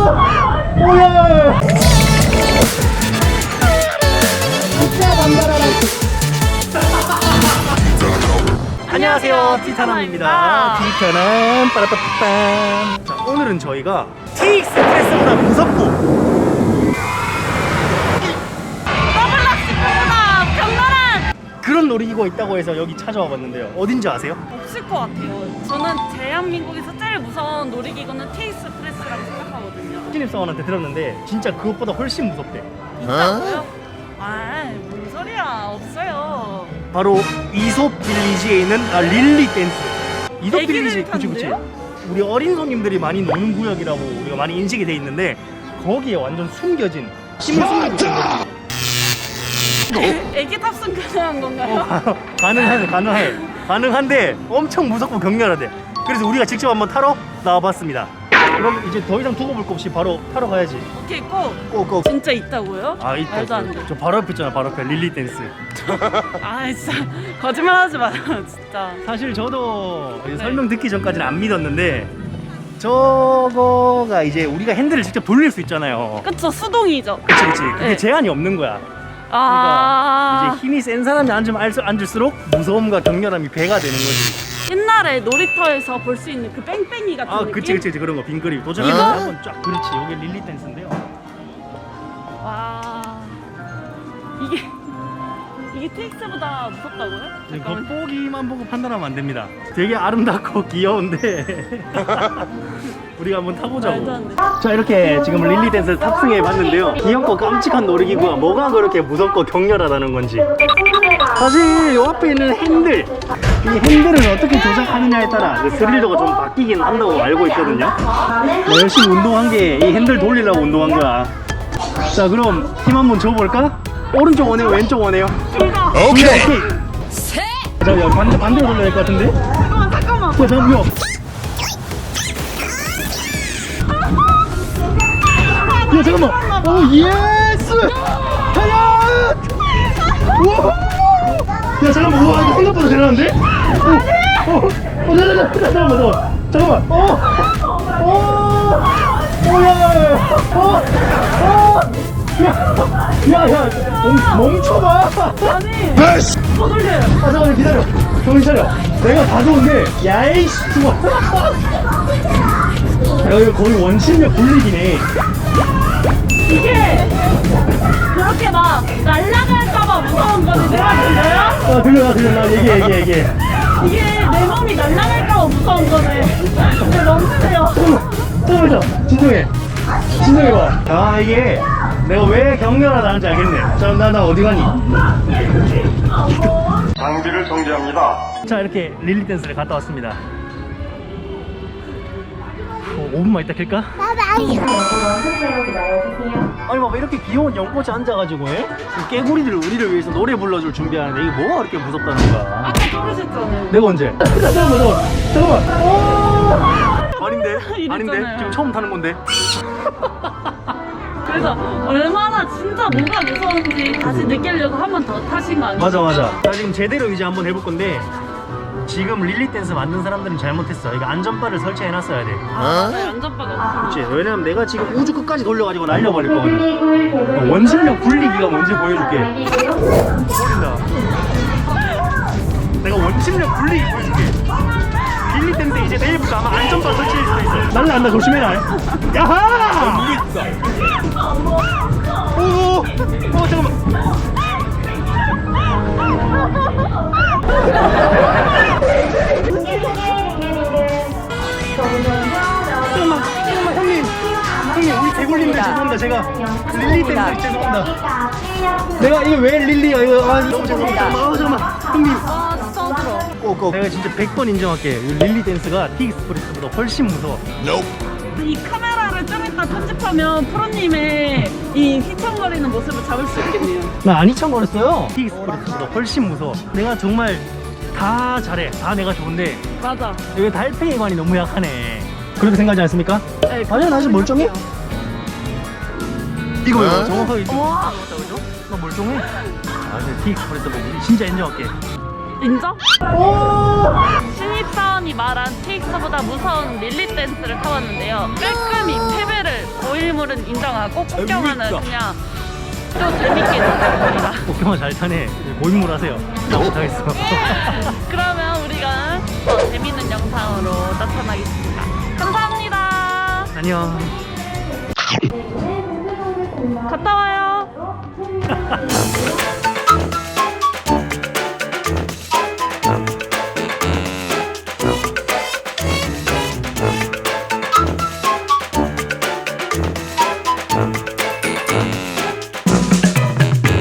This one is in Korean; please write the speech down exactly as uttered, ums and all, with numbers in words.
오야. 안녕하세요, 티타남입니다. 티타남 빠라빠빰. 자, 오늘은 저희가 티익스프레스보다 무섭고 더블락스보다 격렬한 그런 놀이기구가 있다고 해서 여기 찾아와 봤는데요. 어딘지 아세요? 없을 것 같아요. 저는 대한민국에서 제일 무서운 놀이기구는 티익스프레스라고 생각하거든요. 신입사원한테 들었는데 진짜 그것보다 훨씬 무섭대. 있다고요? 아, 뭔 소리야. 없어요. 바로 이솝 빌리지에 있는 아, 릴리 댄스. 이솝 애기들이 빌리지, 그치 그치. 탄대요? 우리 어린 손님들이 많이 노는 구역이라고 우리가 많이 인식이 돼 있는데 거기에 완전 숨겨진 힘을 숨기고 있는 거지. 애기 탑승 가능한 건가요? 어, 가능해, 가능해, 가능한데 엄청 무섭고 격렬하대. 그래서 우리가 직접 한번 타러 나와봤습니다. 그럼 이제 더 이상 두고 볼 거 없이 바로 타러 가야지. 오케이, 꼭. 고고. 진짜 있다고요? 아 있다. 말도 안 돼. 저 바로 옆에 있잖아, 바로 옆에 릴리 댄스. 아, 진짜 거짓말 하지 마요, 진짜. 사실 저도 이제 네. 설명 듣기 전까지는 안 믿었는데 저거가 이제 우리가 핸들을 직접 돌릴 수 있잖아요. 그쵸, 수동이죠. 그치 그치. 그게 네. 제한이 없는 거야. 아, 그러니까 이제 힘이 센 사람이 앉으면 알수- 앉을수록 무서움과 격렬함이 배가 되는 거지. 옛날에 놀이터에서 볼 수 있는 그 뺑뺑이 같은 아 느낌? 그치 그치 그치. 그런 거 빙그리 도전해 이거? 한번 쫙. 그렇지. 이게 릴리 댄스인데요. 와, 이게 이게 티익스보다 무섭다고요? 지금 잠깐만. 겉보기만 보고 판단하면 안 됩니다. 되게 아름답고 귀여운데 우리가 한번 말도 타보자고. 안 돼. 자, 이렇게 지금 릴리 댄스를 탑승해 봤는데요. 귀엽고 깜찍한 놀이기구가 뭐가 그렇게 무섭고 격렬하다는 건지. 사실 이 앞에 있는 핸들, 이 핸들을 어떻게 조작하느냐에 따라 그 스릴도가 좀 바뀌긴 한다고 알고 있거든요. 뭐 열심히 운동한 게 이 핸들 돌리려고 운동한 거야. 자, 그럼 힘 한번 줘볼까? 오른쪽 원해요, 왼쪽 원해요? 이거 오케이. 자, 야, 반대 반대로 돌려야 될 것 같은데? 잠깐만 잠깐만. 야, 잠깐 이거. 야, 잠깐만. 오, 예스. 하야. 우와. 야, 잠깐만. 우와, 이거 생각보다 잘하는데? 어, 어, 어, 잠깐만, 잠깐만, 잠깐만. 어, 어, 오, 야, 야, 야, 어, 어. 야, 야, 야, 멈, 멈춰봐. 아니 더 돌려요. 아, 잠깐만 기다려. 정신 차려. 내가 다 좋은데, 야이씨, 좋아. 야, 이거 거의 원심력 굴리기네. 이게 그렇게 막 날아갈까봐 무서운 거지. 내가 들려요? 아, 들려, 나 들려, 나 얘기해, 얘기해, 얘기해. 이게 내 몸이 날아갈까봐 무서운 거네. 근데 너무 세요. 잠깐만, 잠깐만, 진정해. 진정해봐. 아, 이게 내가 왜 격렬하다는지 알겠네. 자, 나, 나 어디 가니? 장비를 정지합니다. 자, 이렇게 릴리 댄스를 갔다 왔습니다. 어, 오 분만 있다 킬까? 아니 봐봐, 이렇게 귀여운 연꽃이 앉아가지고 해? 이 깨구리들 우리를 위해서 노래 불러줄 준비하는데 이게 뭐가 그렇게 무섭다는 거야? 아까 부르셨잖아요. 내가 언제? 잠깐만, 잠깐만, 잠깐만. 오! 아닌데? 이랬잖아요. 아닌데? 지금 처음 타는 건데? 그래서 얼마나 진짜 뭐가 무서운지 다시 느끼려고 한 번 더 타신 거 아니에요? 맞아, 맞아. 자, 지금 제대로 이제 한번 해볼 건데 지금 릴리 댄스 만든 사람들은 잘못했어. 이거 안전바를 설치해놨어야 돼. 아, 맞아요. 안전바가 없어요. 그치? 왜냐면 내가 지금 우주 끝까지 돌려가지고 날려버릴 거거든. 원심력 굴리기가 뭔지 보여줄게. 돌린다. 내가 원심력 굴리기 보여줄게. 릴리 댄스 이제 내일부터 아마 안전바 설치할 수도 있어. 날라간다, 조심해라. 야하! 오, 오, 잠깐만. 잠깐만, 잠깐만, 형님. 형님, 우리 개굴님들 죄송합니다. 제가 릴리 댄스 죄송합니다. 내가 이거 왜 릴리야? 이거 아, 너무 죄송합니다. 아, 잠깐만, 형님. 아, 진짜 들어. 꼭, 내가 진짜 백 번 인정할게. 이 릴리 댄스가 티익스프레스보다 훨씬 무서워. 이 카메라를 좀 이따 편집하면 프로님의 이 휘청거리는 모습을 잡을 수 있겠네요. 나 안 이창거렸어요. 티익스프레스보다 훨씬 무서워. 내가 정말 다 잘해. 다 내가 좋은데 맞아. 여기 달팽이관이 너무 약하네. 그렇게 생각하지 않습니까? 네, 아니야, 나 지금 멀쩡해. 이거 왜 정확하게 이거 와. 맞다, 그죠? 나 멀쩡해. 아, 근데 티익스프레스 보고 진짜 인정할게. 인정? 오! 신입사원이 말한 티익스보다 무서운 릴리 댄스를 타봤는데요. 깔끔히 패배를 보일 룰은 인정하고 폭경화는 그냥 또 재밌게 놀아봅니다. 폭경화 잘 타네. 고인물 하세요. 나 못하겠어. 그러면 우리가 더 재밌는 영상으로 나타나겠습니다. 감사합니다. 안녕.